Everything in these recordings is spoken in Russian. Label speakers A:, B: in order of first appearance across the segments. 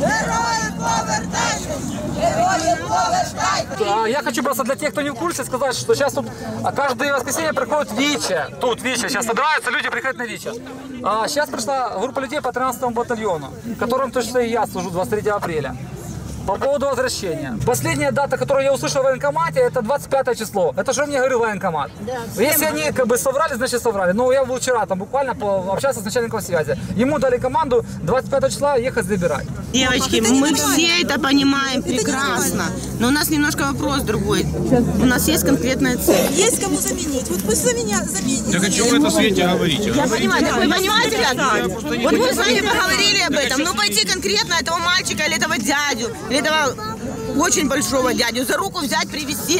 A: Я хочу просто для тех, кто не в курсе, сказать, что сейчас тут каждое воскресенье приходит ВИЧа. Тут ВИЧа, сейчас собираются, люди приходят на ВИЧа. Сейчас пришла группа людей по 13-му батальону, которым точно и я служу 23 апреля. По поводу возвращения. Последняя дата, которую я услышал в военкомате, это 25 число. Это же мне говорил военкомат. Да, если они как бы соврали, значит соврали. Но я был вчера там буквально общался с начальником связи. Ему дали команду 25 числа ехать забирать.
B: Девочки, мы все это понимаем прекрасно. Но у нас немножко вопрос другой. У нас есть конкретная цель.
C: Есть кому заменить. Вот пусть за меня заменить.
D: Так о чем вы это, Свете, говорите?
B: Я понимаю, так вы понимаете, как? Вот мы с вами поговорили об этом. Ну пойти конкретно этого мальчика или этого дядю, или этого очень большого дядю за руку взять, привезти.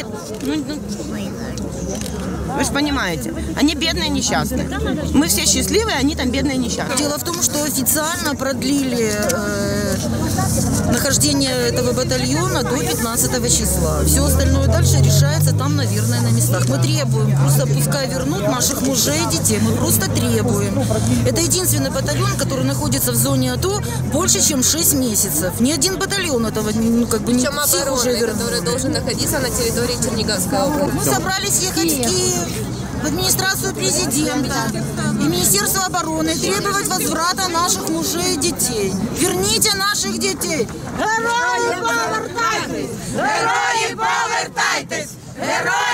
B: Вы же понимаете, они бедные, несчастные. Мы все счастливые, они там бедные, несчастные.
C: Дело в том, что официально продлили нахождение этого батальона до 15 числа. Все остальное дальше решается там, наверное, на местах. Мы требуем, просто пускай вернут наших мужей и детей. Мы просто требуем. Это единственный батальон, который находится в зоне АТО больше, чем 6 месяцев. Ни один батальон этого как бы не всех уже вернули.
E: Который должен находиться на территории Черниговской области.
C: Мы собрались ехать в Киев, в администрацию президента и Министерство обороны требовать возврата наших мужей и детей. Верните наших детей! Герої повертайтесь! Герої повертайтесь! Герої!